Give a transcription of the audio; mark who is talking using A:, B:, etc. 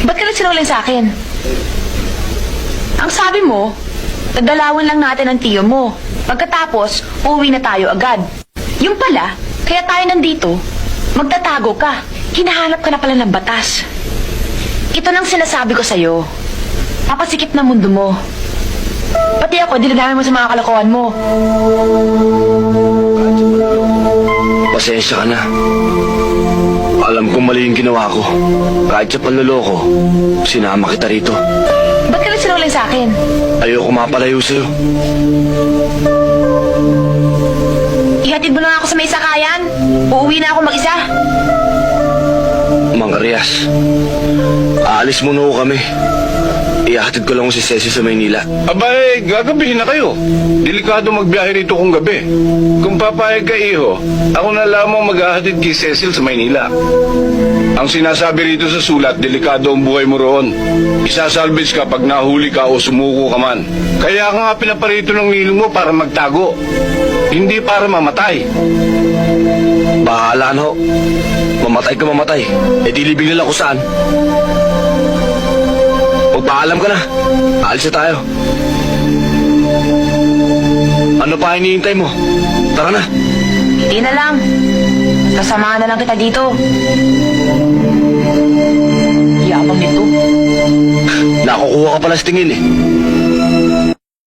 A: Ba't ka nagsinungaling sa akin? Ang sabi mo, nagdalawan lang natin ang tiyo mo. Pagkatapos, uuwi na tayo agad. Yung pala, kaya tayo nandito, magtatago ka. Hinahanap ka na pala ng batas. Ito nang sinasabi ko sa'yo. Papasikip na mundo mo. Pati ako, dinadami mo sa mga kalokohan mo.
B: Pasensya ka na. Alam kong mali yung ginawa ko. Kahit sa panloloko, sinama kita rito.
A: Ba't ka nagsinungaling sa akin?
B: Ayoko mapalayo sa'yo.
A: Ihatid mo na ako sa may sakayan. Uuwi na ako mag-isa.
B: Mang Arias, aalis muna ko kami. Ihahatid ko lang si Cecil sa Maynila.
C: Abay, gagabihin na kayo. Delikado magbiyahe rito kung gabi. Kung papayag ka, iho, ako na lamang maghahatid kay Cecil sa Maynila. Ang sinasabi rito sa sulat, delikado ang buhay mo roon. Isasalvage ka pag nahuli ka o sumuko ka man. Kaya ka nga pinaparito ng nilong mo para magtago. Hindi para mamatay.
B: Bahala na ho. Mamatay ka mamatay. E di libing nila kung saan. Magpaalam ka na. Alis na tayo. Ano pa hinihintay mo? Tara na.
A: Hindi na lang. Sasamahan na lang kita dito. Yabang nito.
B: Nakukuha ka pala sa tingin eh.